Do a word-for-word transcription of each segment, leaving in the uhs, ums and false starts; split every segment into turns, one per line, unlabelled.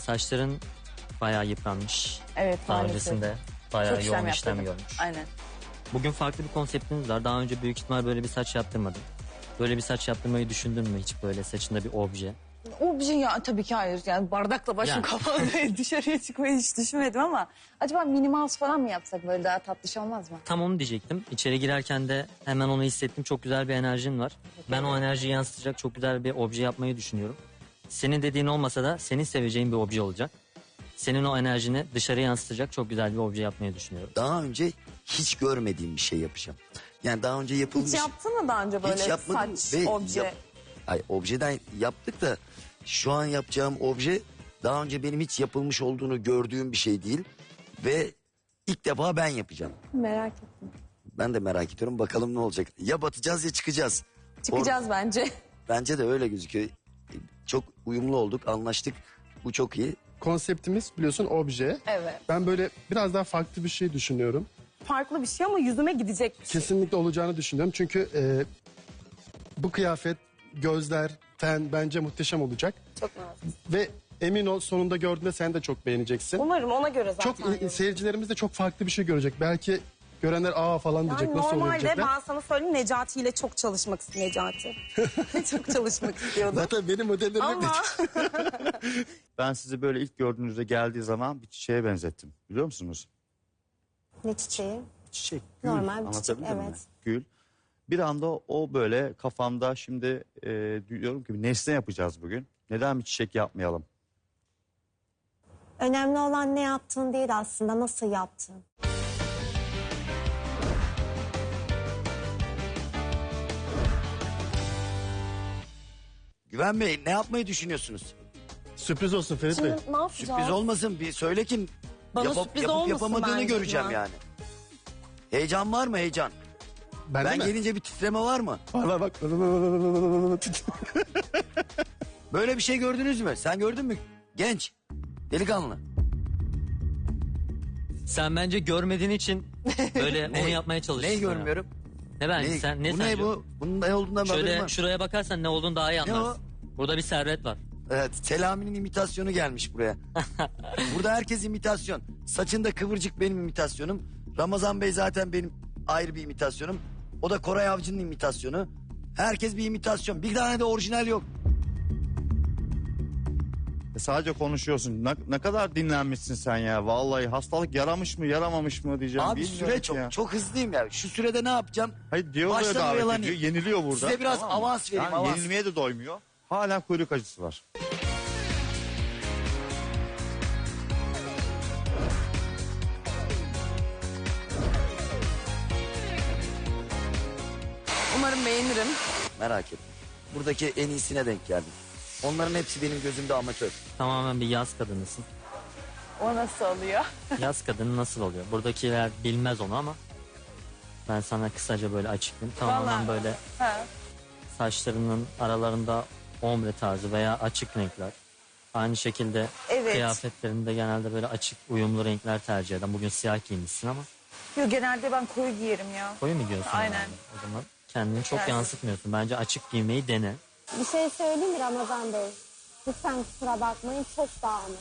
Saçların bayağı yıpranmış.
Evet,
Daha
maalesef.
öncesinde bayağı
Çok işlem
yoğun işlem
yaptırdım.
görmüş.
Aynen.
Bugün farklı bir konseptiniz var. Daha önce büyük ihtimal böyle bir saç yaptırmadın. Böyle bir saç yaptırmayı düşündün mü hiç, böyle saçında bir obje?
Obje ya tabii ki hayır. Yani bardakla başım
Yani.
kapalı dışarıya çıkmayı hiç düşünmedim ama acaba mini mouse falan mı yapsak, böyle daha tatlış olmaz mı?
Tam onu diyecektim. İçeri girerken de hemen onu hissettim. Çok güzel bir enerjin var. Ben o enerjiyi yansıtacak çok güzel bir obje yapmayı düşünüyorum. Senin dediğin olmasa da senin seveceğin bir obje olacak. Senin o enerjini dışarı yansıtacak çok güzel bir obje yapmayı düşünüyorum.
Daha önce hiç görmediğim bir şey yapacağım. Yani daha önce yapılmış...
Hiç yaptın mı daha önce böyle
Hiç yapmadım
saç,
ve
obje?
yap- Ay, objeden yaptık da şu an yapacağım obje daha önce benim hiç yapılmış olduğunu gördüğüm bir şey değil. Ve ilk defa ben yapacağım.
Merak ettim.
Ben de merak ediyorum, bakalım ne olacak. Ya batacağız ya çıkacağız.
Çıkacağız bence.
Bence de öyle gözüküyor. Çok uyumlu olduk, anlaştık. Bu çok iyi.
Konseptimiz biliyorsun obje.
Evet.
Ben böyle biraz daha farklı bir şey düşünüyorum.
Farklı bir şey ama yüzüme gidecek bir şey.
Kesinlikle olacağını düşünüyorum. Çünkü e, bu kıyafet, gözler, ten bence muhteşem olacak.
Çok nazik.
Ve emin ol, sonunda gördüğünde sen de çok beğeneceksin.
Umarım ona göre zaten.
Çok iyi, seyircilerimiz de çok farklı bir şey görecek. Belki görenler aa falan diyecek,
Yani
nasıl olur
normalde
diyecekler.
ben sana söyleyeyim, Necati ile çok çalışmak istiyorum. Necati. çok çalışmak istiyordum.
Zaten benim modellerim
Ama
Ben sizi böyle ilk gördüğünüzde geldiği zaman bir çiçeğe benzettim. Biliyor musunuz?
Ne çiçeği?
Çiçek, gül.
Normal bir çiçek,
Anlatabildim mi?
evet.
Gül. Bir anda o böyle kafamda şimdi e, diyorum ki nesne yapacağız bugün. Neden bir çiçek yapmayalım?
Önemli olan ne yaptığın değil aslında, nasıl yaptığın.
Güven Bey, ne yapmayı düşünüyorsunuz?
Sürpriz olsun Ferit Bey.
Şimdi ne yapacağız?
Sürpriz olmasın, bir söyle kim
Bana sürpriz olmasın
yapamadığını
bence
göreceğim
ya.
yani. Heyecan var mı, heyecan?
Ben,
Ben
de mi?
gelince bir titreme var mı?
Var var bak.
Böyle bir şey gördünüz mü? Sen gördün mü? Genç, delikanlı.
Sen bence görmediğin için böyle onu yapmaya çalışıyorsun.
Neyi görmüyorum?
Ne ben
Ne,
sen ne
bu
sence?
ne bu? Bunun ne olduğundan haberim
Şöyle
var.
şuraya bakarsan ne olduğunu daha iyi
Ne
anlarsın. Burada bir servet var.
Evet, Selami'nin imitasyonu gelmiş buraya. Burada herkes imitasyon. Saçında kıvırcık benim imitasyonum. Ramazan Bey zaten benim ayrı bir imitasyonum. O da Koray Avcı'nın imitasyonu. Herkes bir imitasyon. Bir tane de orijinal yok.
E sadece konuşuyorsun. Ne, ne kadar dinlenmişsin sen ya. Vallahi hastalık yaramış mı yaramamış mı diyeceğim.
Abi
Bilmiyorum
süre
ki
çok
ya.
çok hızlıyım ya. Şu sürede ne yapacağım?
Hayır diyor böyle
Baştan
davet
oyalanayım.
ediyor. Yeniliyor burada.
Size biraz
mı?
avans vereyim,
Yani
avans.
yenilmeye de doymuyor. Hala kuyruk acısı var.
Umarım beğenirim.
Merak etme. Buradaki en iyisine denk geldim. Onların hepsi benim gözümde amatör.
Tamamen bir yaz kadınısın.
O nasıl oluyor?
Yaz kadını nasıl oluyor? Buradakiler bilmez onu ama ben sana kısaca böyle açıklayayım. Tamamen
Vallahi.
böyle
Ha.
saçlarının aralarında ombre tarzı veya açık renkler. Aynı şekilde
Evet.
kıyafetlerinde genelde böyle açık uyumlu renkler tercih eden. Bugün siyah giymişsin ama
Yok, genelde ben koyu giyerim ya.
koyu mu giyiyorsun?
Aynen.
yani? O zaman kendini çok
Yani.
yansıtmıyorsun. Bence açık giymeyi dene.
Bir şey söyleyeyim mi Ramazan Bey? Lütfen kusura bakmayın, çok dağınık.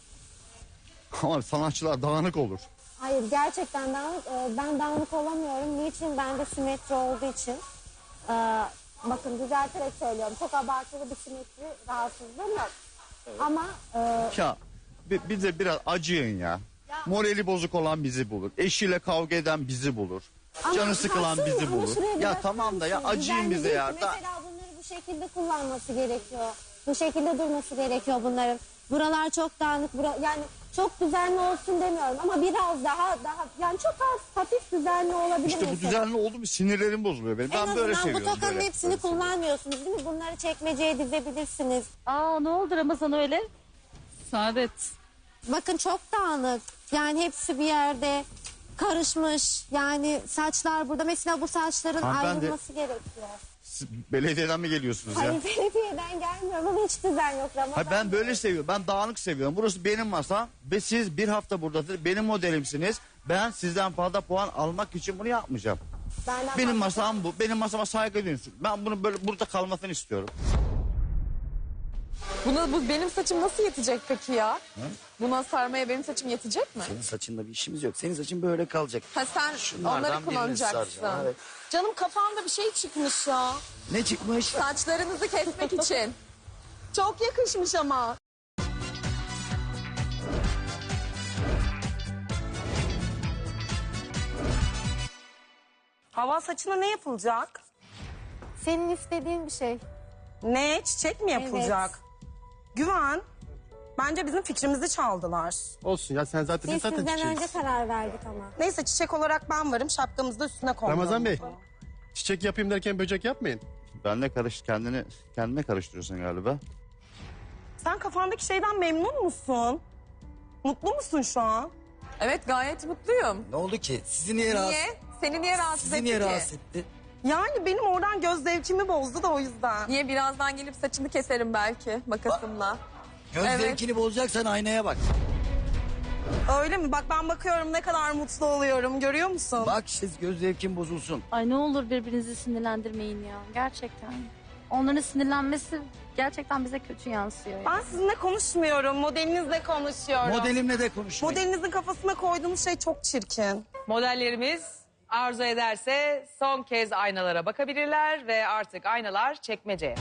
Ama sanatçılar dağınık olur.
Hayır, gerçekten dağınık. Ee, Ben dağınık olamıyorum. Niçin? Bende simetri olduğu için. Ee, bakın düzelterek söylüyorum. Çok abartılı bir simetri rahatsızlığım yok. Ama e,
Ya bi- bize biraz acıyın ya. Morali bozuk olan bizi bulur. Eşiyle kavga eden bizi bulur.
ama
Canı sıkılan
haksız
bizi
mı? Ama
bulur.
şuraya
Ya
biraz
tamam da ya
bakar mısınız?
acıyın
Düzenli
bize
değil
ya.
ki.
Da-
Mesela bunları bu şekilde kullanması gerekiyor. Bu şekilde durması gerekiyor bunların. Buralar çok dağınık. Bura, yani çok düzenli olsun demiyorum ama biraz daha daha yani çok az hafif düzenli olabilir
İşte bu
mesela.
düzenli oldu mu sinirlerim bozuluyor benim.
En
Ben böyle
azından bu
seviyorum.
tokanın
böyle.
hepsini kullanmıyorsunuz değil mi? Bunları çekmeceye dizebilirsiniz.
Aa, ne oldu Ramazan öyle? Saadet.
Bakın çok dağınık. Yani hepsi bir yerde karışmış. Yani saçlar burada. Mesela bu saçların
Hanımefendi,
ayrılması gerekiyor.
Siz belediyeden mi geliyorsunuz ya?
Hayır, belediyeden gelmiyorum ama hiç düzen yok Ramazan.
Hayır, ben böyle seviyorum. Ben dağınık seviyorum. Burası benim masam ve siz bir hafta buradasınız. Benim modelimsiniz. Ben sizden fazla puan almak için bunu yapmayacağım.
Benden
Benim
fazla-
masam bu. Benim masama saygı duyun. Ben bunu böyle burada kalmasını istiyorum.
Buna, bu benim saçım nasıl yetecek peki ya? Buna sarmaya benim saçım yetecek mi?
Senin saçında bir işimiz yok. Senin saçın böyle kalacak.
Ha sen
Şunlardan
onları
birini
kullanacaksın.
saracağım, evet.
Canım kafamda bir şey çıkmış ya.
Ne çıkmış?
Saçlarınızı kesmek için.
Çok yakışmış ama. Hava saçına ne yapılacak?
Senin istediğin bir şey.
Ne? Çiçek mi yapılacak? Güven. Bence bizim fikrimizi çaldılar.
Olsun ya sen zaten
Biz
biz zaten
sizden
çiçeğiz.
önce karar verdik ama.
Neyse çiçek olarak ben varım. Şapkamızı da üstüne koydum.
Ramazan Bey, çiçek yapayım derken böcek yapmayın.
Benle karış kendini kendine karıştırıyorsun galiba.
Sen kafandaki şeyden memnun musun? Mutlu musun şu an?
Evet gayet mutluyum.
Ne oldu ki? Sizi niye rahatsız?
Niye? Seni niye rahatsız
Sizi
etti
niye
ki?
rahatsız etti?
Yani benim oradan göz zevkimi bozdu da o yüzden.
Niye birazdan gelip saçını keserim belki makasımla.
Göz
Evet.
zevkini bozacaksan aynaya bak.
Öyle mi? Bak ben bakıyorum ne kadar mutlu oluyorum. Görüyor musun?
Bak işte göz zevkin bozulsun.
Ay ne olur birbirinizi sinirlendirmeyin ya. Gerçekten. Onların sinirlenmesi gerçekten bize kötü yansıyor. ya.
Ben sizinle konuşmuyorum. Modelinizle konuşuyorum.
Modelimle de konuşmayın.
Modelinizin kafasına koyduğunuz şey çok çirkin.
Modellerimiz arzu ederse son kez aynalara bakabilirler ve artık aynalar çekmeceye.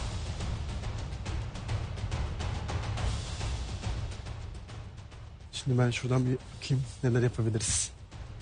Şimdi ben şuradan bir bakayım neler yapabiliriz.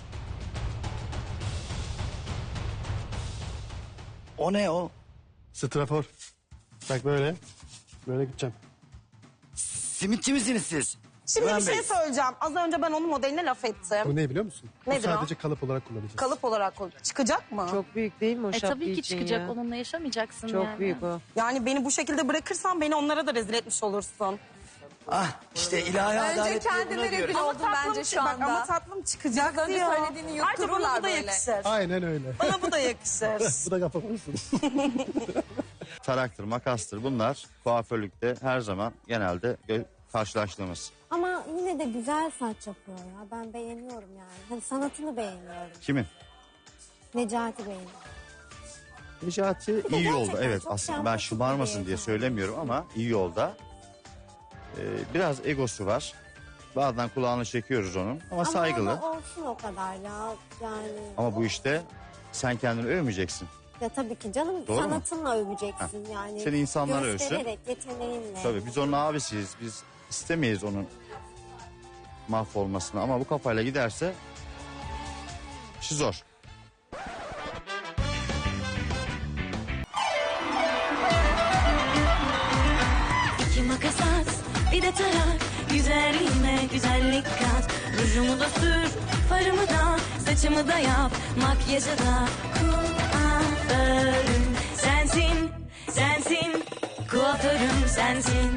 O ne o?
Strafor. Bak böyle. Böyle gideceğim.
Simitçi misiniz siz?
Şimdi
Güven
bir şey
Bey.
söyleyeceğim. Az önce ben onun modeline laf ettim.
Bu ne biliyor musun?
Nedir
Bu
o?
sadece kalıp olarak kullanacağız.
Kalıp olarak koy- çıkacak mı?
Çok büyük değil mi o
E
şapka
tabii ki
için
çıkacak.
ya?
Onunla yaşamayacaksın
Çok
yani.
büyük o.
Yani beni bu şekilde bırakırsan beni onlara da rezil etmiş olursun.
Ah işte ilahi
Bence
adalet diye
kendine
buna diyoruz.
rezil oldun bence şu
bak,
anda.
ama tatlım çıkacak
Biraz önce
diyor.
söylediğini
Ayrıca bana
yuttururlar
bu da
böyle.
yakışır.
Aynen öyle.
Bana bu da yakışır.
Bu da kafa vursun.
Taraktır, makastır bunlar kuaförlükte her zaman genelde gö- karşılaştığımız.
Ama yine de güzel saç yapıyor ya. Ben beğeniyorum yani. Hani sanatını beğeniyorum.
Kimin?
Necati beğeniyorum.
Necati iyi
gerçekten
yolda, evet,
çok
aslında ben
sempatik
şımarmasın
bir
diye
insan.
söylemiyorum ama iyi yolda. Ee, biraz egosu var. Bazen kulağını çekiyoruz onun ama saygılı.
Ama olsun o kadar ya. Yani.
Ama bu işte sen kendini övmeyeceksin.
Ya tabii ki canım
Doğru mu?
sanatınla öveceksin yani.
Seni insanlar övsün.
Göstererek, yeteneğinle.
Tabii biz onun abisiyiz. Biz istemeyiz onun mahvolmasını ama bu kafayla giderse işi zor.
İki makas at, bir de tarak. Güzelliğime güzellik kat. Rujumu da sür, farımı da, saçımı da yap. Makyajı da kuaförüm sensin, sensin. Kuaförüm sensin.